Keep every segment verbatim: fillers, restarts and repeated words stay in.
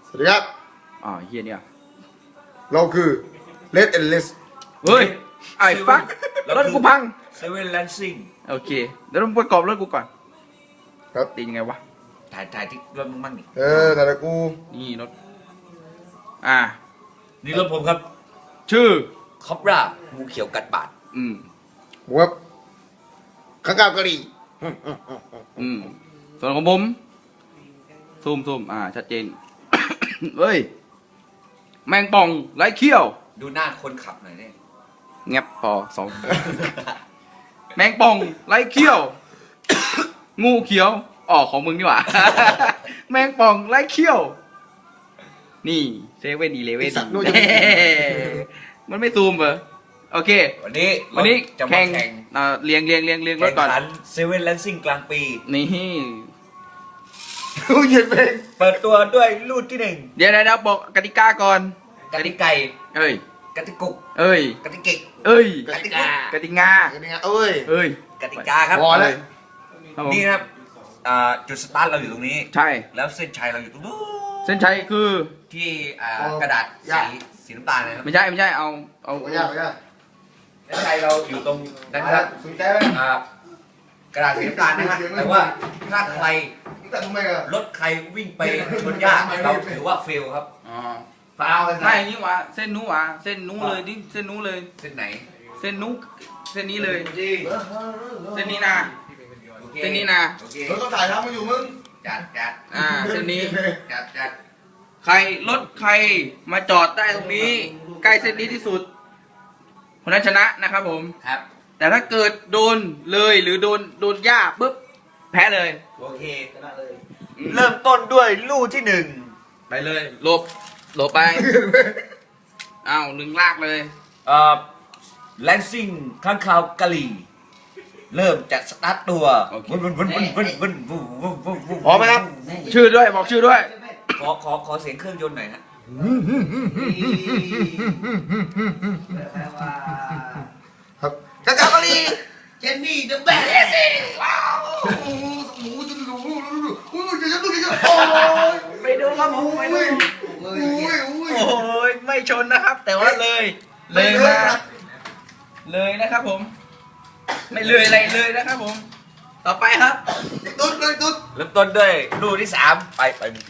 สวัสดีครับอ๋อเฮียเนี่ยเราคือ Red and Less เฮ้ยไอ้ฟักรถกูพังเซเว่นแลนซิ่งโอเคเดี๋ยวต้องประกอบรถกูก่อนครับตียังไงวะถ่ายถ่ายที่รถมึงมั่งนี่เออแต่ละกูนี่รถอ่านี่รถผมครับชื่อคอปรางูเขียวกัดบาดอืมผมครับข้างกาวกะหรี่อืมส่วนของผมซูมซูมอ่าชัดเจน เฮ้ยแมงป่องไร้เขี้ยวดูหน้าคนขับหน่อยเนี่ยแงบพอสอง แมงป่องไร้เขี้ยว งูเขียวอ๋อของมึงนี่หว่า แมงป่องไร้เขี้ยว นี่เซเว่นอีเลเว่น มันไม่ซูมเหรอโอเควันนี้วันนี้จะมาแข่งแข่งอ่าเรียงเรียงเรียงเรียงรแข่ถงก่อนขันเซเว่นแลนซิ่งกลางปีนี่กูเย็นเพลงเปิดตัวด้วยลูดที่หนึ่งเดี๋ยวเดี๋ยวบอกกติกาก่อนกติไก่เอ้ยกติกุกเอ้ยกติกิกเอ้ยกติกากติงากันยังไงเอ้ยเอ้ยกติกาครับพอแล้วครับผมนี่นะครับอ่าจุดสตาร์ทเราอยู่ตรงนี้ใช่แล้วเส้นชัยเราอยู่ตรงนู้นเส้นชัยคือที่อ่ากระดาษสีสีน้ำตาลนะครับไม่ใช่ไม่ใช่เอาเอาไม่ยากไม่ยากเส้นชัยเราอยู่ตรงนั้นนะคครัรับบสนใจไหมอ่ากระดาษสีน้ำตาลนะฮะแต่ว่าถ้าใครมึงแต่ทำไมอะรถใครวิ่งไปชนหญ้าเราถือว่าเฟลครับอ๋อฟาวเลยไม่นี่หวะเส้นนู้หวะเส้นนู้เลยดิเส้นนู้เลยเส้นไหนเส้นนู้เส้นนี้เลยจริงเส้นนี้นะโอคเส้นนี้นะโอเคเฮ้ยเขาถ่ายทำมาอยู่มึงจัดจัดอ่าเส้นนี้จัดจัดใครรถใครมาจอดได้ตรงนี้ ใกล้เส้นนี้ที่สุดคนนั้นชนะนะครับผมครับแต่ถ้าเกิดโดนเลยหรือโดนโดนหญ้าปุ๊บแพ้เลยโอเคชนะเลยเริ่มต้นด้วยลู่ที่หนึ่งไปเลยหลบหลบไป อ้าวหนึ่งลากเลยเอ่อแลนซิ่งข้างคาวกะหรี่เริ่มจากสตาร์ทตัวโอเควุ่นวุ่นวุ่นวุ่นวุ่นวุ่นวุ่นวุ่นวุ่นพร้อมไหมครับชื่อด้วยบอกชื่อด้วยขอขอขอเสียงเครื่องยนต์หน่อยฮะครับข้างกาวกะหรี่เจนนี่เดอะแบทว้าวโอ้โหหมูจะดูดูดูดูโอ้ยจะดูจะโอ้ยไปดูครับผมไปดูโอ้ยโอ้ยโอ้ยไม่ชนนะครับ แต่ว่าเลย เลยมาเลยนะครับผม ไม่เลยอะไรเลยนะครับผม ต่อไปครับตุ๊ดเลยตุ๊ดเริ่มต้นด้วยลู่ที่สามไปไปไป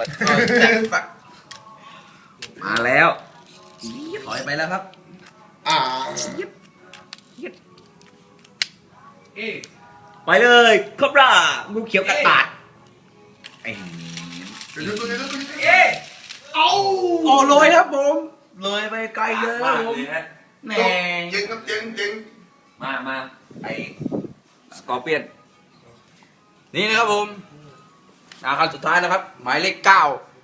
มาแล้วถอยไปแล้วครับอ่าไปเลยครบรางูเขียวกัดปาดไอ้เดี๋ยวตุ๊ดเดี๋ยวตุ๊ดเอ๊ะเอาโอ้เลยครับผม เลยไปไกลเลยคมารับผมเลยฮะแหมเจ๋งครับเจ๋งเจ๋งมามาไอ้สกอร์เปียนนี่นะครับผมอาคารสุดท้ายนะครับ หมายเลขเก้า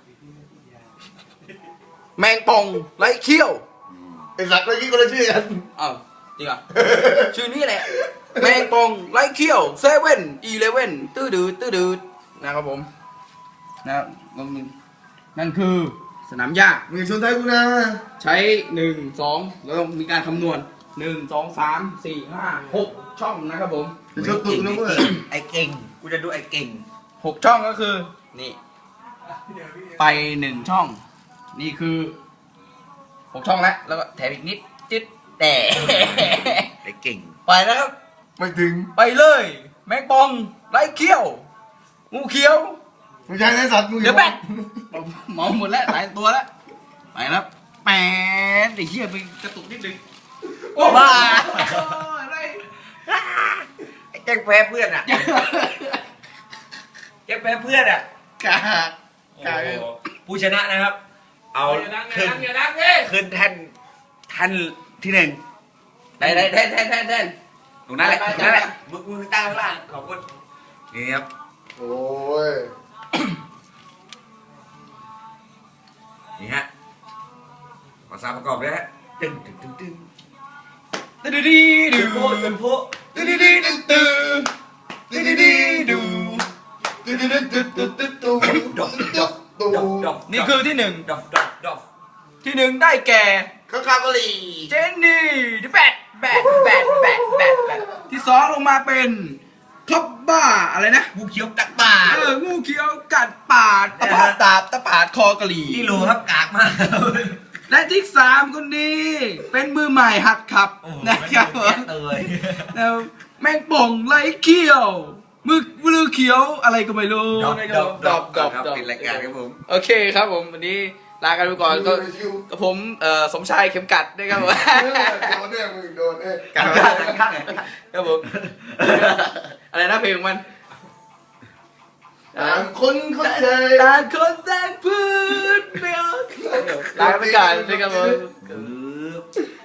แมงป่องไร้เขี้ยวไอ้สัตว์เมื่อกี้ก็เลยชื่อกันอ้าวจริงเหรอ ชื่อนี้แหละ แมงป่องไร้เขี้ยวเซเว่นอีเลเว่นตื้อดืดตื้อดืดนะครับผมนะครับนั่นคือสนามหญ้ามึงชนไทยกูนะใช้หนึ่งสองแล้วต้องมีการคำนวณหนึ่งสองสามสี่ห้าหกช่องนะครับผมมึงชนตุ๊ดนะเว้ยไอ้เก่งกูจะดูไอ้เก่งหกช่องก็คือ นี่ ไปหนึ่งช่อง นี่คือหกช่องแล้วแล้วก็แถมอีกนิดจิตแต่ไอ้เก่งไปแล้วครับไม่ถึงไปเลย แมงป่องไร้เขี้ยว งูเขียวไม่ใช่ไอ้สัตว์มึงเดี๋ยวแบกมองหมดแล้วหลายตัวแล้ว ไปแล้วแปดไอ้เหี้ยไปกระตุกนิดนึงโอ้บ้าอะไรไอ้แจ็คแพ้เพื่อนอ่ะแจ็คแพ้เพื่อนอ่ะกากกากโอ้โหผู้ชนะนะครับ เอาขึ้นขึ้นแท่นแท่นที่หนึ่งได้ได้ได้ได้ได้ได้ตรงนั้นแหละไปตไปรงนั้นแหละไปมือมือตั้งข้างล่างขอบคุณนี่ครับโอ้ยนี่ฮะภาษาประกอบเลยฮะตึ้งตึ้งตึ้งตึ้งตึ๊ดดีดีดูโคตรเป็นโพตึ๊ดดีดีดูตึ๊ดตึ๊ดดีดีดูตุ๊ดตุ๊ดตุ๊ดตุ๊ดตุ๊ดตุ๊ดตุ๊ดตุ๊ดตุ๊ดดอกดอกนี่คือที่หนึ่งดอกดอกดอกที่หนึ่งได้แก่ข้าวกาวกะหรี่เจนนี่ดิแบดแบดแบดแบดแบดแบดที่สองลงมาเป็นครบบ้าอะไรนะงูเขียวกัดปากเอองูเขียวกัดปาดตะปาดตาบตะปาดคอกะหรี่นี่รู้ครับกากมากและที่สามคนนี้ เป็นมือใหม่หัดขับโอ้โหนะครับผมแเลยแล้วแมงป่องไรเขี้ยวมือมือเขียวอะไรก็ไม่รู้ดอบนะคดรัอบบ ดอบดอบครับดอบเป็นรายการครับผมโอเคครับผมวันนี้ลากันไปก่อนก็กับผมเอ่อสมชายเข็มกัดนะครับผมโดนเนี่ยมึงโดนเอ้ยกัดข้างข้างครับผมอะไรนะเพลงของมันต่างคนเข้าใจต่างคนต่างพูดไม่ออกลากันไปก่อนนะครับผมคือ